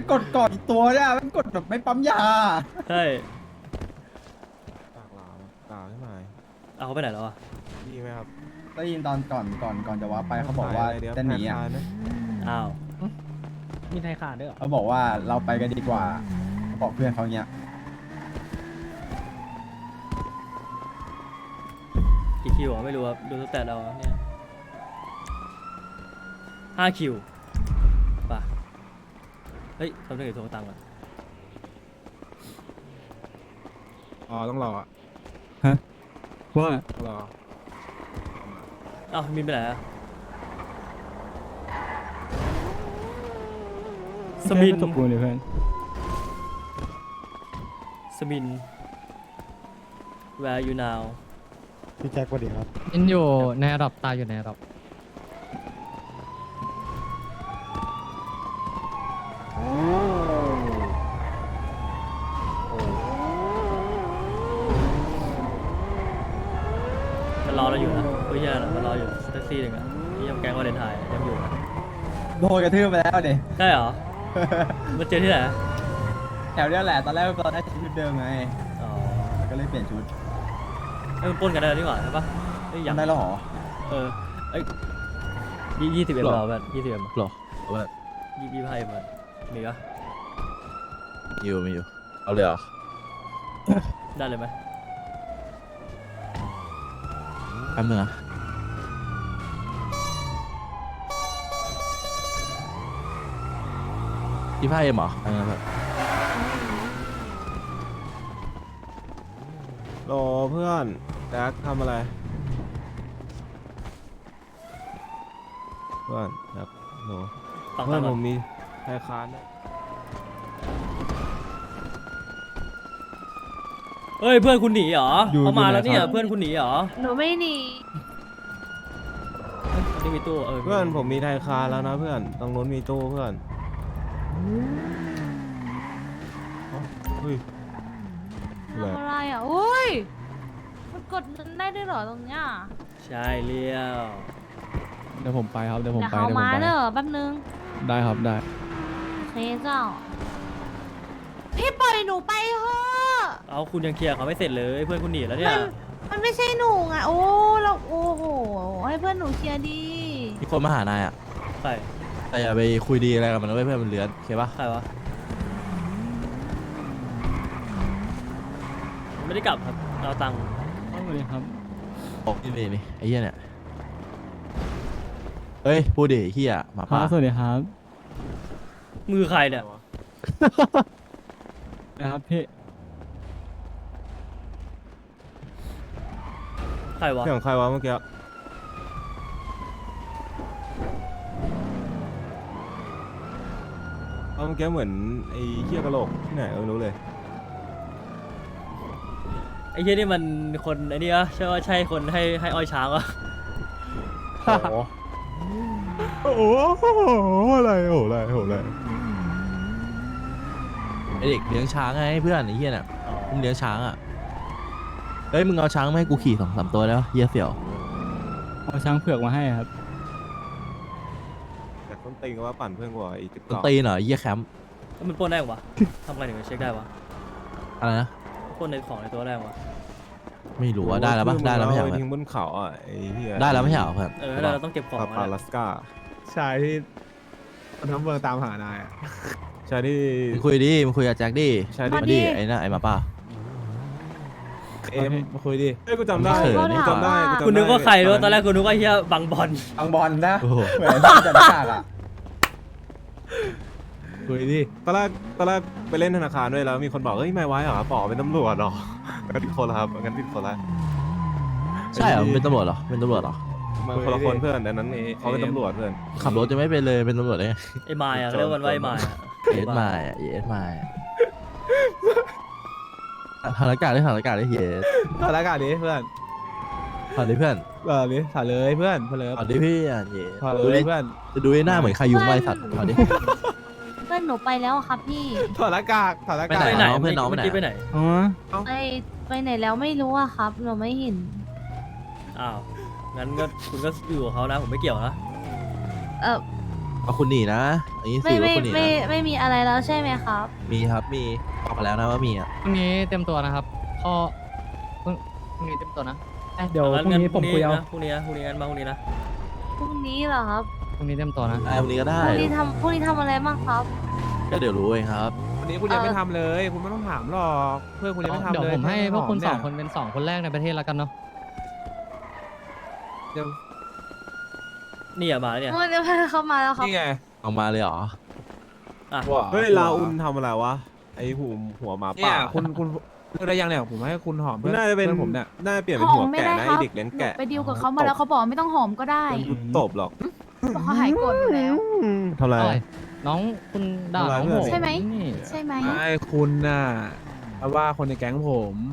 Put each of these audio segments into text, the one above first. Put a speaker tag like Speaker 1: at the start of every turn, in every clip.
Speaker 1: กดก่อนอีกตัวเนี่ยมันกดแบบไม่ปั๊มยา
Speaker 2: ใช่
Speaker 3: ปากหลามด่าใช่ไหม
Speaker 2: เอาเขาไปไหนแล้วอ่ะ
Speaker 3: ดีไหมครับ
Speaker 1: ได้ยินตอนก่อนจะว่าไปเขาบอกว่า
Speaker 3: เดี๋ยว
Speaker 1: จะหนีอ่ะ
Speaker 3: แพ้ทายไหม
Speaker 2: อ้าว
Speaker 4: มีไทยขาดด้วยเหรอ
Speaker 1: เขาบอกว่าเราไปกันดีกว่าเขาบอกเพื่อนเขาเนี้ย
Speaker 2: กี่คิวอ่ะไม่รู้ครับดูตั้งแต่เราเนี่ย5 คิวป่ะเฮ้ยทำได้กี่ตัวตังค์อ่ะ
Speaker 3: อ๋อต้องรออ่ะ
Speaker 4: ว่า
Speaker 3: ต้องรอ
Speaker 2: อ้าวมีไปไหนอ่ะสมิน
Speaker 4: ตบกูเลยเพื่อน
Speaker 2: สมิน where you now
Speaker 5: พี่แจ็คสวัสดีครับ
Speaker 4: อินอยู่ในระดับตายอยู่ในระดับ
Speaker 2: มันรอเราอยู่นะเฮ้ยแย่นะมันรออยู่แท็กซี่หนึ่งอ่ะนี่ยังแกงวาเลนไทน์ยังอยู่นะ
Speaker 1: โดนกระทืบไปแล้วเด็
Speaker 2: ได้เหรอมาเจอที่ไหน
Speaker 1: แถวเนี้ยแหละตอนแรกเราได้ชุดเดิมไง
Speaker 2: อ๋อ
Speaker 1: ก็เลยเปลี่ยนชุด
Speaker 2: เอ้ยมันปล้นกันได้แล้วนี่หว่าใช่ปะเอ้ย
Speaker 1: ยังได้แล้วเหรอ
Speaker 2: เออเอ้ย20 M เราแบบ20 M
Speaker 6: หรอเอาแบบ
Speaker 2: 25 M อะมีปะ
Speaker 6: อยู่มีอยู่ เอาเลยเหรอ
Speaker 2: ได้เลยไหม
Speaker 6: แป๊บนึงนะ25 Mเหรออันนั้นแบบ
Speaker 3: รอเพื่อนแจ็คทำอะไรเพื่อนครับโห
Speaker 2: ฟัง
Speaker 3: เพื่
Speaker 2: ตั
Speaker 3: อง น
Speaker 2: ค์ก่
Speaker 3: ผ
Speaker 2: อน
Speaker 3: มมีธนาคารนะ
Speaker 2: เฮ้ยเพื่อนคุณหนีเหรอ
Speaker 1: อยู่
Speaker 2: เขามาแล้วเนี่ย
Speaker 1: อยู่ไหนครับ
Speaker 2: เพื่อนคุณหนีเหรอ
Speaker 7: หนูไม่หนี
Speaker 2: เอ้ยนี่มีตู้เออ
Speaker 3: เพื่อนผมมีธนาคารแล้วนะเพื่อนตรงนู้นมีตู้เพื่อนเอ้าเฮ้ยอะไร
Speaker 7: ทำอะไรอ่ะอุ้ยมันกดเงินได้ด้วยเหรอตรงเนี้ย
Speaker 2: ใช่เลี้ยว
Speaker 4: เดี๋ยวผมไปครับเดี๋ยวผม
Speaker 7: เดี๋ยว
Speaker 4: ไป
Speaker 7: เขา
Speaker 4: เดี๋ยวผม
Speaker 7: มา
Speaker 4: ไป
Speaker 7: เด้อแป๊บนึง
Speaker 4: ได้ครับได้
Speaker 7: โอเคเจ้า พี่ปล่อยหนูไปเถอะ
Speaker 2: เอาคุณยังเคลียร์เขาไม่เสร็จเลยเพื่อนคุณหนีแล้วเนี่ย
Speaker 7: มันไม่ใช่หนูไงโอ้เราโอ้โหให้เพื่อนหนูเคลียร์ดี
Speaker 6: มีคนมาหานายอ่ะ
Speaker 2: ใคร
Speaker 6: แต่อย่าไปคุยดีอะไรกับมันนะเว้ยเพื่อนมันเลือนโอเคปะ
Speaker 2: ใครวะไม่ได้กลับครับเราตังค์
Speaker 4: สวัสดีครับ
Speaker 6: บอกนี่ไอ้เหี้ยเนี่ย เฮ้ย พูดดิไอ้เหี้ยหมา
Speaker 4: ครั
Speaker 6: ป่า
Speaker 4: บสวัสดีครับ
Speaker 2: มือใครเนี่ย
Speaker 4: นะครับพี่
Speaker 2: ใครวะ
Speaker 3: เสียงใครวะเมื่อกี้เอาเมื่อกี้เหมือนไอ้เหี้ยกะโหลกที่ไหนไม่รู้เลย
Speaker 2: ไอ้เหี้ยนี่มันคนไอ้นี่อะใช่ว่าใช่คนให้อ้อยช้างวะ
Speaker 3: โอ้โหอะไรโอ้อะไรโอ้อะไร
Speaker 6: ไอเด็กเลี้ยงช้างไงเพื่อนไอ้เหี้ยเนี่ย
Speaker 2: อ๋อ
Speaker 6: มึงเลี้ยงช้างอ่ะ เฮ้ยมึงเอาช้างมาให้กูขี่2-3 ตัวแล้วเหี้ยเสี่ยว
Speaker 4: เอาช้างเผือกมาให้ครับ
Speaker 3: แต่ต้นตีนก็ว่าปั่นเพื่อนกว่าอีกจุด
Speaker 6: ต้น
Speaker 3: เก่า
Speaker 6: ตีนเหรอไอ้เหี้ยแคมป์
Speaker 2: แล้วมันปล้นได้วะทำไงถึงจะเช็คได้วะ
Speaker 6: อะไรนะ
Speaker 2: ปล้นในของในตัวได้วะ
Speaker 6: ไม่รู้ว่าได้แล้วปะได้แล้วไม่ใช่เหรอ
Speaker 3: เอา
Speaker 6: เพื่อน
Speaker 3: ทิ้งบนเขาอ่ะไอ้เหี้ย
Speaker 6: ได้แล้วไม่ใช่เหรอเพื่อน
Speaker 2: เออแล้วเราต้องเก็บของ
Speaker 3: ปา
Speaker 2: อะ
Speaker 3: ปา
Speaker 2: นะ
Speaker 3: ลัสกา
Speaker 5: ชายที่ทั้งเมืองตามหานายอ่ะ
Speaker 3: ใช่ที่
Speaker 6: มึงคุยดิมึงคุยกับแจ็คดิ
Speaker 3: ใช่
Speaker 6: มาดิไอ้น่ะไอ้หมาป่า
Speaker 3: เอ็มมาคุยดิเอ้ยกูจำได้
Speaker 6: เขิน
Speaker 3: กูจำได้จำได้
Speaker 2: คุณนึกว่าใครรู้ตอนแรกคุณนึกว่าเฮียบังบอล
Speaker 1: บางบอลนะ
Speaker 6: โอ้โห
Speaker 1: เหมือนที่จะหน้ากากอ่ะ
Speaker 3: คุยดิตอนแรกไปเล่นธนาคารด้วยแล้วมีคนบอกเฮ้ยไม่ไว้เหรอป๋อเป็นตำรวจเหรองั้นผิดคนละครับงั้นผิดคนละ
Speaker 6: ใช่เหรอมึงเป็นตำรวจเหรอเป็นตำรวจเหรอ
Speaker 3: มันคนละคนเพื่อนแต่นั้นเขาเป็นตำรวจเพื่อน
Speaker 6: ขับรถจะไม่เป็นเลยเป็นตำรวจได้ไง
Speaker 2: ไอ้มายอะเรียกมันว่าไอ้มายอะ
Speaker 6: เยสมาอ่ะเยสมาถานการณ์ได้ถานการณ์ได้เยส
Speaker 5: ถอดอากาศดิเพื่อน
Speaker 6: ถอดดิเพื่อน
Speaker 5: ดิถอดเลยเพื่อนเพลิ
Speaker 6: ถอดดิพี่อ่ะเยส
Speaker 5: ถอด
Speaker 6: ดู
Speaker 5: เล
Speaker 6: ดิ
Speaker 5: ยเพื่อน
Speaker 6: จะดูไอ้หน้าเหมือนใครยุงไว้สัตว์ถอดดิ
Speaker 7: เพื่อนหนูไปแล้วอะครับพี่
Speaker 5: ถอดอากาศถอดอากาศ
Speaker 2: ไปไหน
Speaker 6: น้องเพื่อนน้องไปไหน
Speaker 2: เมื่อกี้ไปไหน
Speaker 4: อ๋อ
Speaker 7: ไปไหนแล้วไม่รู้อะครับหนูไม่เห็น
Speaker 2: อ้าวงั้นก็คุณก็อยู่กับเขานะผมไม่เกี่ยวนะ
Speaker 7: เออ
Speaker 6: เอาคุณหนีนะอันนี้
Speaker 7: ไม่
Speaker 6: สื่อว่า
Speaker 7: ไม่
Speaker 6: คุณหนี
Speaker 7: ไม่
Speaker 6: นะ
Speaker 7: ไม่มีอะไรแล้วใช่ไหมครับ
Speaker 6: มีครับมีบอกมาแล้วนะว่ามีอ่ะ
Speaker 8: พรุ่งนี้เต็มตัวนะครับพ่อพรุ่งนี้เต็มตัวนะ
Speaker 4: เดี๋ยวพรุ่งนี้ผมคุยเอา
Speaker 2: พรุ่งนี้นะพรุ่งนี้งั้นมาพรุ่งนี้นะ
Speaker 7: พรุ่งนี้เหรอครับ
Speaker 8: พรุ่งนี้เต็มตัวนะ
Speaker 6: ได้วันนี้ก็
Speaker 7: พ
Speaker 6: ได้
Speaker 7: รุ่งนี้ทำอะไรบ้างครับ
Speaker 6: ก็เดี๋ยวรู้เองครับ
Speaker 5: วันนี้คุณยังไม่ทำเลย คุณไม่ต้องถามหรอกเพื่อนคุณยังไม่ทำเลย
Speaker 8: เดี๋ยวผมให้พวกคุณ
Speaker 5: แ
Speaker 8: สองคนเป็น2 คนแรกในประเทศแล้วกันเนาะ
Speaker 5: เดี๋ยว
Speaker 2: นี่อะมาแล้วเนี่ย
Speaker 7: เดี๋ยวเข้ามาแล้วครับ
Speaker 5: นี่ไง
Speaker 6: เอามาเลยเหรอ
Speaker 2: อ่ะ
Speaker 5: ว้า
Speaker 3: เฮ้ยลาอุนทำอะไรวะไอหัวหมา
Speaker 5: เนี่
Speaker 3: ป่าย
Speaker 5: คุณเลือกได้ยังเนี่ยผมให้คุณหอมเพื่อน
Speaker 3: น่าจะเป็น
Speaker 5: เพื่อนผมเนี่ย
Speaker 3: น่าจะเปลี่ยนเป็นหัวแกะนะไอเด็กเลี้ยงแกะ
Speaker 9: ไปดีลกับเขามาแล้วเขาบอกไม่ต้องหอมก็ได้
Speaker 3: ตบหรอก
Speaker 9: บอกเขาหายโกรธอยู่แล้ว
Speaker 3: ทำไร
Speaker 8: อะไรน้องคุณด่าน้องผม
Speaker 9: ใช่ไหม
Speaker 8: นี่
Speaker 9: ใช่ไหม
Speaker 5: ไม่คุณน่ะเพราะว่าคนในแก๊ง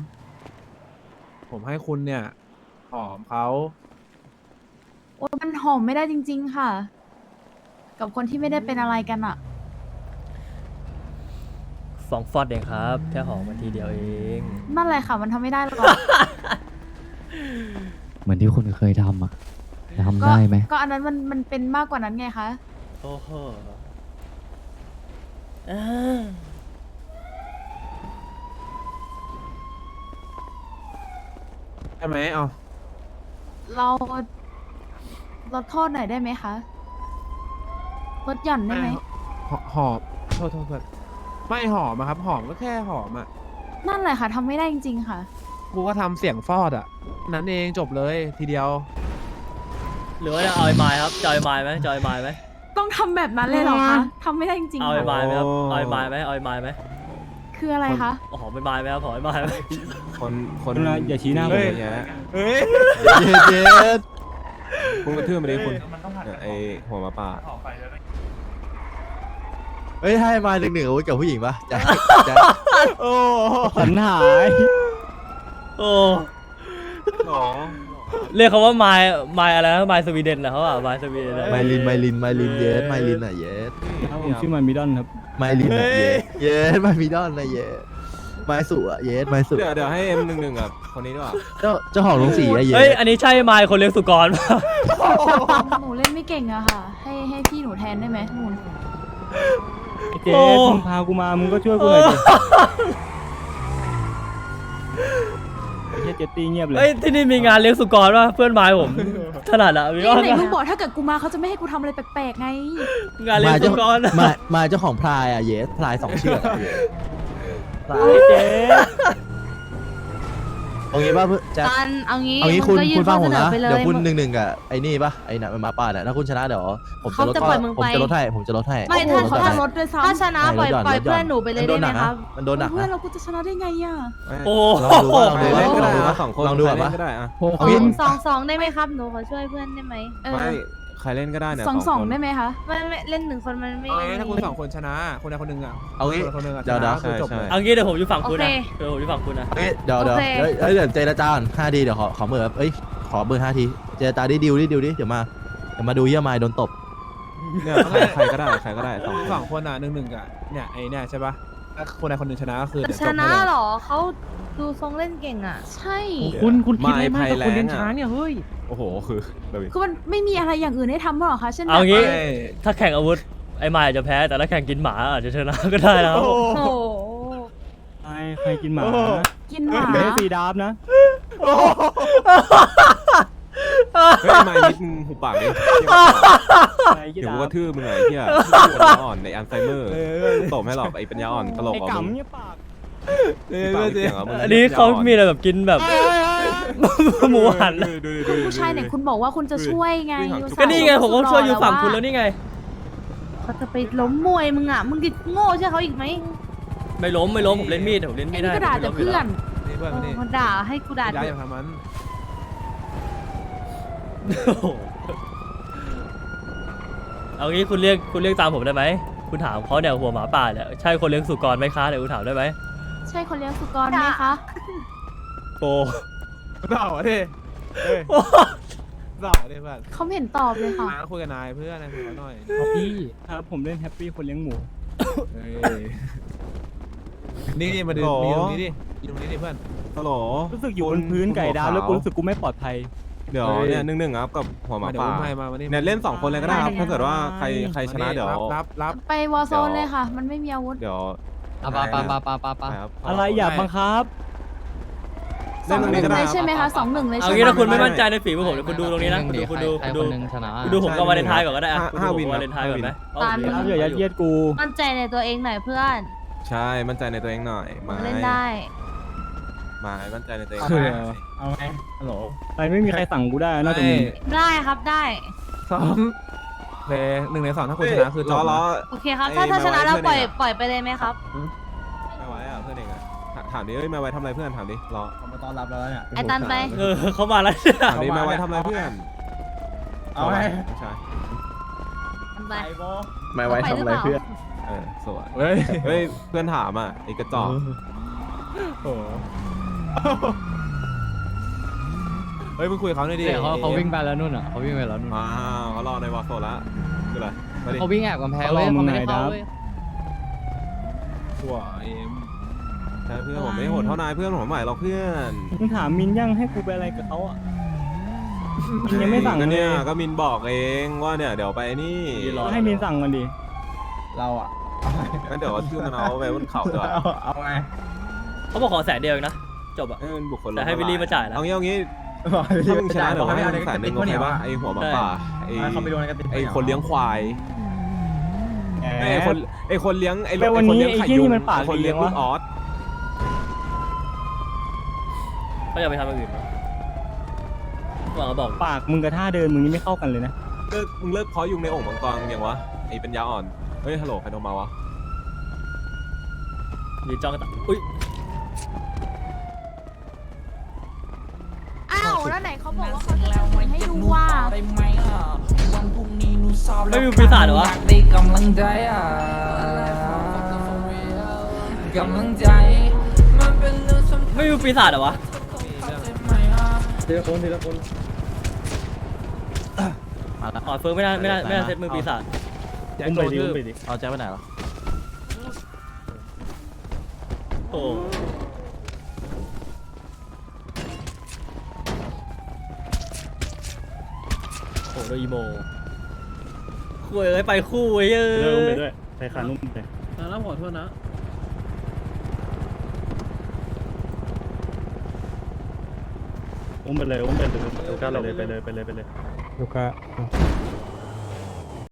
Speaker 5: ผมให้คุณเนี่ยหอมเขา
Speaker 9: โอ้มันหอมไม่ได้จริง ๆ ค่ะ กับคนที่ไม่ได้เป็นอะไรกันอ่ะ
Speaker 2: 2 ฟอดเองครับ แค่หอมมาทีเดียวเอง
Speaker 9: นั่นแหละค่ะ มันทำไม่ได้หรอก
Speaker 4: เหมือนที่คุณเคยทำอ่ะทำ
Speaker 9: ก็
Speaker 4: ได้ไหม
Speaker 9: ก็อันนั้นมันเป็นมากกว่านั้นไงคะ
Speaker 2: โอ้โห
Speaker 5: ใช่ไหมเอา
Speaker 9: เราลดโทษหน่อยได้ไหมคะลดหย่อนได้ไหม
Speaker 5: หอมโทษเพื่อนไม่หอมอะครับ หอมก็แค่หอมอะ
Speaker 9: นั่นแหละค่ะทำไม่ได้จริง ๆ ค่ะ
Speaker 5: กูก็ทำเสียงฟอดอะนั้นเองจบเลยทีเดียว
Speaker 2: หรือว่าจะเอาไอ้ไม้ครับจะเอาไอ้ไม้ไหมจะเอาไอ้ไม้ไหม
Speaker 9: ต้องทำแบบนั้นเลยเหรอคะทำไม่ได้จริง
Speaker 2: เอา
Speaker 9: ๆ
Speaker 2: ไอ้
Speaker 9: ค่ะ
Speaker 2: ไม้ไหมครับเอาไอ้ไม้ไหมเอาไอ้ไม้ไหม
Speaker 9: คืออะไรคะ
Speaker 2: หอมไอ้ไม้ไหมครับหอมไอ้ไม้ไหม
Speaker 3: คนคน
Speaker 4: อย่าชี้หน้าผม
Speaker 3: เฮ้ยอย่างเงี้ย
Speaker 5: เฮ้ย
Speaker 6: เย็ด
Speaker 3: คุณกระทืบมาดิคุณเนี่ยไอหัวหมาป่า
Speaker 6: เฮ้ยให้มา1-1อาวุธกับผู้หญิงปะจะจะ
Speaker 3: โอ้
Speaker 4: สันหาย
Speaker 2: โอ้
Speaker 3: หรอ
Speaker 2: เรียกเขาว่าไม้อะไรนะไม้สวีเดนนะเขาอ่ะไม้สวีเดนนะ
Speaker 6: ไมลินเย็ดไมลินอ่ะเย็ด
Speaker 4: ครับผมชื่อมันมิดอนครับ
Speaker 6: ไมลินอ่ะเย็ดไมมีดอนนะเย็ดไมสุอ่ะเย็ดไมสุ
Speaker 3: เดี๋ยวให้M11กับคนนี้ดีกว่า
Speaker 6: เจ้าของโรงสีอ่ะเย็
Speaker 2: เฮ้ย
Speaker 6: ด
Speaker 2: อันนี้ใช่ไม้คนเลี้ยงสุกรป่ะ
Speaker 9: หนูเล่นไม่เก่งอะค่ะ ให้พี่หนูแทนได้ไหมหนู
Speaker 4: ไอ้เจ๊มึงพากูมา มึงก็ช่วยกูหน่อยดิไอ้เจ๊เจตตี้เงียบเลย
Speaker 2: เฮ้ยที่นี่มีงานเลี้ยงสุกรป่ะเพื่อนไม้ผมถนัดอะมี
Speaker 9: นี่
Speaker 2: ว่า
Speaker 9: ไหนมึงบอกถ้าเกิดกูมาเขาจะไม่ให้กูทำอะไรแปลกๆไง
Speaker 2: งานเลี้ยงสุกรอะ
Speaker 6: มาเจ้าของพลายอ่ะเย็ดพลาย2 เชือกอ่ะเย็ด
Speaker 4: ไอ้เจ๊
Speaker 6: เอางี้ป่ะเพื่อนจะ
Speaker 7: กันเอางี้
Speaker 6: เอางี้
Speaker 7: มึงก็ยื่
Speaker 6: คุณฟังผม
Speaker 7: ข้อ
Speaker 6: นะ
Speaker 7: สอไปล
Speaker 6: เดี๋ยวคุณ1-1กับไอ้นี่ป่ะไอ้น่ะมันหมาป่าเนี่ยถ้าคุณชนะเดี๋ยวผมจะลด
Speaker 7: เขาจะปล่อยมึง
Speaker 6: ผม
Speaker 7: ไป
Speaker 6: จะลดให้ผมจะลดให้
Speaker 7: ไม่
Speaker 9: โอ้โห
Speaker 7: ถ้า
Speaker 9: เขาจะลดด้วยซ้ำ
Speaker 7: ถ้าชนะปล่อย
Speaker 6: ให้ลดหย่อน
Speaker 7: ปล่อย
Speaker 6: ลดหย่อน
Speaker 7: เพื่อนหนูไปเลยได้ไหมครับ
Speaker 6: มันโดนหนัก
Speaker 9: เพื่อน
Speaker 6: นะ
Speaker 9: เรากูจะชนะได้ไงอะ
Speaker 2: โอ้
Speaker 6: ลองดูว่าลอง
Speaker 3: ใคร
Speaker 6: ดู
Speaker 3: เล่นก็ได้
Speaker 6: ว่า
Speaker 3: นะสองคน
Speaker 6: ลองดู
Speaker 3: ใคร
Speaker 6: ก่อน
Speaker 3: เล่
Speaker 6: ปะ
Speaker 3: นก็ได้อะ
Speaker 4: โอ้
Speaker 6: เอางี้
Speaker 7: สองได้ไหมครับหนูขอช่วยเพื่อนได้ไหม
Speaker 3: ไม่ใครเล่นก็ได้เนี่ย
Speaker 9: สอง
Speaker 3: คน
Speaker 9: ได้ไหมคะ
Speaker 7: ไม่เล่น1 คนมันไม่
Speaker 5: เอาไงถ้าคุณ2 คนชนะคนใดคนหนึ่งอะ
Speaker 6: เอางี้
Speaker 5: คนหนึ่งอะช
Speaker 6: เดี๋ยว
Speaker 5: นะ
Speaker 6: ๆ
Speaker 5: คือจบเลย
Speaker 2: เอางี้เดี๋ยวผมอยู่ฝั่งคุณนะเดี๋ยวผมอยู่ฝั่งคุณนะ
Speaker 6: เอ้ยเดี๋ยวเดี๋ยวเดี๋ยวเจรจาก่อน5 ทีเดี๋ยวขอเบอร์เอ้ยขอเบอร์5 ทีเจรจาดิดิวดิเดี๋ยวมาดูเยี่ยมายโดนตบ
Speaker 3: เนี่ยใครก็ได้ใครก็ได้สองคน
Speaker 5: สองคนอ่ะ1-1อะเนี่ยไอ้เนี่ยใช่ปะถ้าคนใดคนหนึ่งชนะก็คือเดี๋ยว
Speaker 7: ช
Speaker 5: จบ
Speaker 7: นะ
Speaker 5: ให้เลย
Speaker 7: เหรอเขาดูทรงเล่นเก่งอ่ะ
Speaker 9: ใช่
Speaker 8: คุณคิดอะไรมากกับคนเลี้ยง
Speaker 3: ไม้ไผ่แรงอะ
Speaker 8: ช้างเนี่ยเฮ้ย
Speaker 3: โอ้โหคือแบบ
Speaker 9: คือมันไม่มีอะไรอย่างอื่นให้ทำหรอคะเช่นแบบ
Speaker 2: เอางี้
Speaker 5: เอ้ย
Speaker 2: ถ้าแข่งอาวุธไอ้ไม้อาจจะแพ้แต่ถ้าแข่งกินหมาอาจจะชนะก็ได้นะครับ
Speaker 7: โอ้โห
Speaker 4: ใครกินหมา
Speaker 9: กินหมา
Speaker 4: เดี๋ยวสีดาบนะ
Speaker 3: เฮ้ยไม่นิดมึงหูปากดิ
Speaker 4: ใครกิน
Speaker 3: เดี๋ยว
Speaker 4: ดา
Speaker 3: กู
Speaker 4: บ
Speaker 3: กระทืบมึงไงเหี้ยปัญญาอ่อนในอัลไซเมอร์ตบให้หรอกไอ้ปัญญาอ่อนตลก
Speaker 4: ไอ้
Speaker 3: อ่ะมึง
Speaker 4: กำเนี่ยปาก
Speaker 3: ปากเสียงอ่ะมึง
Speaker 2: อันนี้เขามีอะไรแบบกินแบบหมูหัน
Speaker 9: คุณผู้ชายเนี่ยคุณบอกว่าคุณจะช่วยไง
Speaker 2: ก็นี่ไงผมก็ช่วยอยู่ฝั่งคุณแล้วนี่ไง
Speaker 7: เขาจะไปล้มมวยมึงอ่ะมึงดิโง่ใช่เขาอีกไหม
Speaker 2: ไม่ล้มผมเล่นมีดผมเล่น
Speaker 9: ไอ้
Speaker 2: มีด
Speaker 9: นี่
Speaker 2: ได้
Speaker 9: ก็ด่าแต่เพื่อน
Speaker 5: นี่เพื่อนมานี่
Speaker 7: มาด่าให้กูด่า
Speaker 5: ย้าย
Speaker 7: เถ
Speaker 5: อย่า
Speaker 7: อะ
Speaker 5: ทำมัน
Speaker 2: โอ้โหเอางี้คุณเรียกตามผมได้ไหมคุณถามเขาเนี่ยหัวหมาป่าเนี่ยใช่คนเลี้ยงสุกรไหมคะเดี๋ยวคุณถามได้ไหม
Speaker 9: ใช่คนเลี้ยงสุกรไหมคะ
Speaker 2: โอ้
Speaker 5: เต่าดิเฮ้ยเต่าดิเพื่อน
Speaker 9: เขาไม่เห็นตอบเลยค่ะ
Speaker 5: นายคุยกับนายเพื่อนนายคุยกับเขาหน่อย
Speaker 4: พี่ครับผมเล่นแฮปปี้คนเลี้ยงหมู
Speaker 5: เฮ้ยนี่มาดูมีตรงนี้ดิอยู่ตรงนี้ดิเพื่อน
Speaker 3: ฮัลโหล
Speaker 4: รู้สึกอยู่บนพื้นไก่ดาวแล้วกูรู้สึกกูไม่ปลอดภัย
Speaker 3: เดี๋ยวเนี่ย1-1ครับกับหัวหมา
Speaker 5: เดี๋ยว
Speaker 3: ป่า
Speaker 5: อุ้มให้มาวันนี้
Speaker 3: เนี่ยเล่น2คนเลยก็ได้ครับถ้าเกิดว่าใครชนะเดี๋ยว
Speaker 5: รับ
Speaker 9: ไปวอลโซนเลยค่ะ มันไม่มีอาวุธ
Speaker 3: เดี๋ยว
Speaker 8: อ่ะปา
Speaker 3: ไปครับ
Speaker 4: อะไรอย่าบังคับ
Speaker 9: สองหนึ่ง
Speaker 3: ก็
Speaker 9: เล
Speaker 3: ได้
Speaker 9: ยใช่ไหมคะ2-1เลย
Speaker 2: เอา
Speaker 9: ใช่
Speaker 2: งี้
Speaker 9: ไหม
Speaker 2: ถ้าคุณไม่มั่นใจในฝีมือผมเดี๋ยวคุณดูตรงนี้นะ
Speaker 8: ห
Speaker 2: คุณดู
Speaker 8: ใคร
Speaker 2: คุณ
Speaker 8: ค
Speaker 2: ดู
Speaker 8: นหนึ่งชนะ
Speaker 2: คุณดูผมกับวาเลนไทน์ก่อนก็ได้อะ
Speaker 3: ห้า
Speaker 2: คุณดู
Speaker 3: วิน
Speaker 2: ผมวาเลนไทน์ก่อนไหม
Speaker 9: ตาม
Speaker 4: ครับอย่ายัดเยียดกู
Speaker 7: มั่นใจในตัวเองหน่อยเพื่อน
Speaker 3: ใช่มั่นใจในตัวเองหน่อยไม้
Speaker 7: เล่นได้
Speaker 3: ไม้มั่นใจในตัวเอง
Speaker 4: คือ
Speaker 1: เอาไงฮัลโหล
Speaker 4: ไปไม่มีใครสั่งกูได้นอกจากมึง
Speaker 7: ได้ครับได้
Speaker 5: ซ้อมเพลย์1 ใน 2ถ้าคุณชนะคือจบ
Speaker 3: ล้อ
Speaker 5: นะ
Speaker 7: โอเคครับ
Speaker 3: ไอ้
Speaker 7: ถ้าชนะแล้ว
Speaker 3: ไม่
Speaker 7: ปล่อย
Speaker 3: ไว้เพื่อนเองอะ
Speaker 7: ปล่อยไปเลยไหมครับ
Speaker 3: ไม่ไหวอ่ะเพื่อนเองอ่ะถามดิเอ้ยไม่ไหวทำอะไรเพื่อนถามดิรอ
Speaker 1: เขามาต้อนรับเราแล้วเนี่ย
Speaker 7: ไอ้ตันไป
Speaker 2: เขามาแล้ว
Speaker 3: ถามดิไม่ไหวทำอะไรเพื่อน
Speaker 1: เอาไง
Speaker 3: ใช่
Speaker 7: มันไป
Speaker 1: ไปโบ
Speaker 6: ไม่ไว้ทำอะไรเพื่อน
Speaker 3: สวย
Speaker 5: เฮ้ย
Speaker 3: เฮ้ยเพื่อนถามอ่ะไอ้กระจอก
Speaker 5: เฮ้ยมึงคุยกับเขาหน่อยดิ
Speaker 8: เดี๋ยวเขาวิ่งไปแล้วนู่นอ่ะเขาวิ่งไปแล้วนู่น
Speaker 3: ว้าวเขารอในวอลโซนแล้วคืออะไรมาดิ
Speaker 8: เขาวิ่งแอบกำแพงเว้ยเขาไม่ได้เข้าเว้ย
Speaker 5: หัวเอ็ม
Speaker 3: ใช่เพื่อนผมไม่โหดเท่านายเพื่อนผมใหม่หรอกเพื่อน
Speaker 4: มึงถามมินยังให้กูไปอะไรกับเขาอ่ะมินยังไม่สั่ง
Speaker 3: ก็
Speaker 4: เล
Speaker 3: เนี่ย
Speaker 4: ย
Speaker 3: ก็มินบอกเองว่าเนี่ยเดี๋ยวไปนี่
Speaker 4: ให้มินสั่งกันดิ
Speaker 1: เราอะ
Speaker 3: งั้นเดี๋ยวชื่อมันเอาไปบนเขาเดี๋ยว
Speaker 1: เอาไง
Speaker 2: เขาบอกขอ100,000เดียวเองนะจบอะ
Speaker 3: ให้มันบุคคล
Speaker 2: แต่ให้วิลลี่มาจ่ายนะ
Speaker 3: เอางี้ถ้ามึงชนะเดี๋ยวให้มึง100,000โอเคป่ะไอหัวหมาป่าไอ
Speaker 1: เขาไปโดนกันติด
Speaker 3: ไอคนเลี้ยงควายไอคนเลี้ยงไอ
Speaker 4: แต่วันนี้ไอ้ที่นี่มันปาก
Speaker 3: คนเลี้ยง
Speaker 4: ดี
Speaker 3: ลู
Speaker 4: วะ
Speaker 3: กออส
Speaker 2: เขาจะไปทำอย่างอื่นบอกเขาบอก
Speaker 4: ปากมึงกับท่าเดินมึงนี่ไม่เข้ากันเลยนะ
Speaker 3: มึงเลิกเพาะยุงในโอ่งมังกรมึงยังวะไอเป็นยาอ่อนเฮ้ยฮัลโหลใครโทรมาวะ
Speaker 2: ยืนจ้องกันตาอุ้ย
Speaker 9: อ้าวแล้วไหนเขาบอกว่าเขาจะทำบุญให้ดูว่า
Speaker 2: ไม่มีปีศาจเหรอวะ
Speaker 10: ได้กำลังใจกำลังใจมันเป็นเรื่องสำคัญ
Speaker 2: ไม่มีปีศาจเหรอวะ
Speaker 4: ทีละคนทีละคน
Speaker 6: มาแล้ว
Speaker 2: อ๋อเฟิร์มไม่ได้เซตมือปีศาจ
Speaker 4: อุ้มไปดิอุ้มไปดิ
Speaker 6: เอาแจ็คไปไหนแล้ว
Speaker 2: โอ้โหโดยอีโมคุยเลยไปคู่เว้ย
Speaker 4: อุ้มไปด้วยไปขานุ่มไป
Speaker 10: แล้วขอโทษนะ
Speaker 4: อุ้มไปเลยอุ้มไปเลยลูก้าเลยไปเลยลูก้า